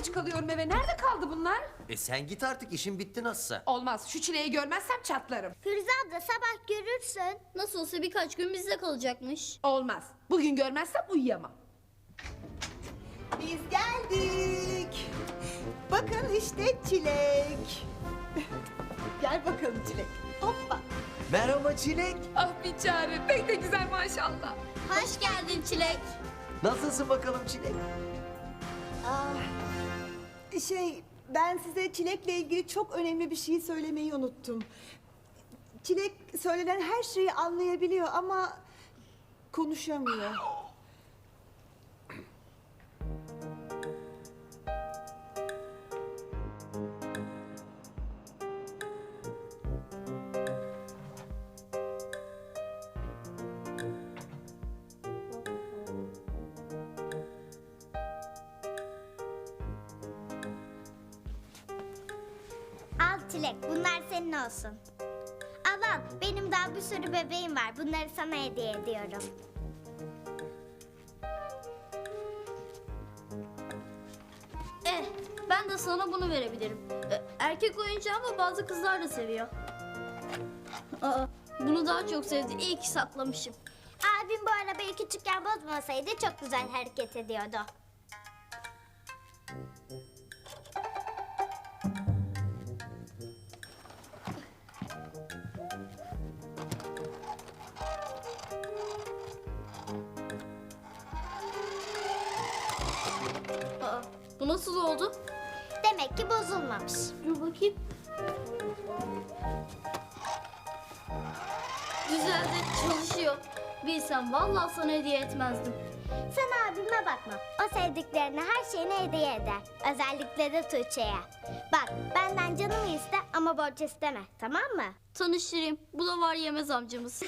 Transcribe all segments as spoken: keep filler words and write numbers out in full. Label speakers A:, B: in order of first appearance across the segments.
A: geç kalıyorum eve. Nerede kaldı bunlar?
B: E sen git artık, işin bitti nasılsa.
A: Olmaz. Şu çileyi görmezsem çatlarım.
C: Firuze abla sabah görürsün.
D: Nasıl olsa birkaç gün bizde kalacakmış.
A: Olmaz. Bugün görmezsem uyuyamam.
E: Biz geldik. Bakın işte Çilek. Gel bakalım Çilek. Hoppa.
B: Merhaba Çilek.
A: Ah bir çare. Pek de güzel maşallah.
D: Hoş geldin Çilek.
B: Nasılsın bakalım Çilek?
E: Ah, şey ben size Çilek'le ilgili çok önemli bir şey söylemeyi unuttum. Çilek söylenen her şeyi anlayabiliyor ama konuşamıyor.
C: Al Çilek, bunlar senin olsun. Al al, benim daha bir sürü bebeğim var. Bunları sana hediye ediyorum.
D: Eh, ben de sana bunu verebilirim. E, erkek oyuncağı ama bazı kızlar da seviyor. Aa, bunu daha çok sevdi. İyi ki saklamışım.
C: Abim bu arabayı küçükken bozmasaydı çok güzel hareket ediyordu.
D: Aa, bu nasıl oldu?
C: Demek ki bozulmamış.
D: Dur bakayım. Güzel de çalışıyor. Bilsem vallahi sana hediye etmezdim.
C: Sen abime bakma. O sevdiklerine her şeyini hediye eder. Özellikle de Tuğçe'ye. Bak benden canımı iste ama borç isteme. Tamam mı?
D: Tanıştırayım. Bu da var yemez amcamız.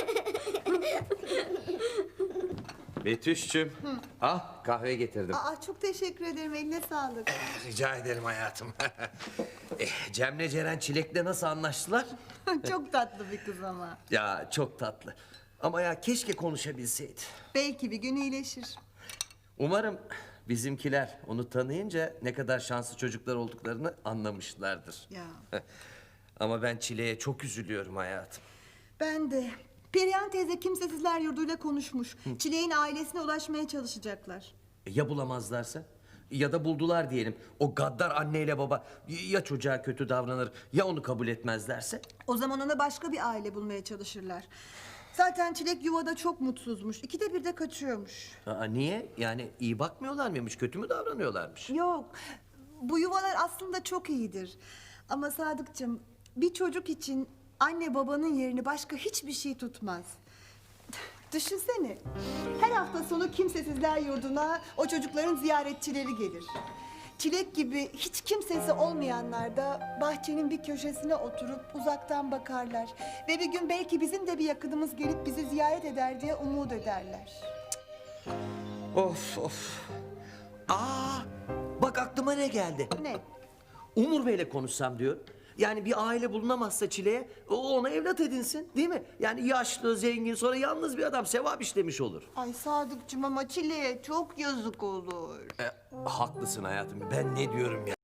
B: Betüş'cüm. Ah, kahve getirdim.
E: Aa, çok teşekkür ederim. Eline sağlık.
B: Rica ederim hayatım. eh, Cem'le Ceren Çilek'le nasıl anlaştılar?
E: Çok tatlı bir kız ama.
B: Ya çok tatlı. Ama ya keşke konuşabilseydi.
E: Belki bir gün iyileşir.
B: Umarım bizimkiler onu tanıyınca ne kadar şanslı çocuklar olduklarını anlamışlardır.
E: Ya.
B: Ama ben Çilek'e çok üzülüyorum hayatım.
E: Ben de. Perihan teyze kimsesizler yurduyla konuşmuş. Çilek'in ailesine ulaşmaya çalışacaklar.
B: E, ya bulamazlarsa? Ya da buldular diyelim. O gaddar anneyle baba ya çocuğa kötü davranır ya onu kabul etmezlerse?
E: O zaman ona başka bir aile bulmaya çalışırlar. Zaten Çilek yuvada çok mutsuzmuş. İkide bir de kaçıyormuş.
B: Aa, niye? Yani iyi bakmıyorlar mıymış? Kötü mü davranıyorlarmış?
E: Yok. Bu yuvalar aslında çok iyidir. Ama Sadıkçım bir çocuk için anne babanın yerini başka hiçbir şey tutmaz. Düşünsene. Her hafta sonu kimsesizler yurduna o çocukların ziyaretçileri gelir. Çilek gibi hiç kimsesi olmayanlar da bahçenin bir köşesine oturup uzaktan bakarlar. Ve bir gün belki bizim de bir yakınımız gelip bizi ziyaret eder diye umut ederler.
B: Of of. Aa, bak aklıma ne geldi?
E: Ne?
B: Umur Bey'le konuşsam diyor. Yani bir aile bulunamazsa Çile'ye o ona evlat edinsin değil mi? Yani yaşlı, zengin, sonra yalnız bir adam sevap işlemiş olur.
E: Ay Sadıkçım ama Çilek'e çok yazık olur.
B: E, haklısın hayatım. Ben ne diyorum ya?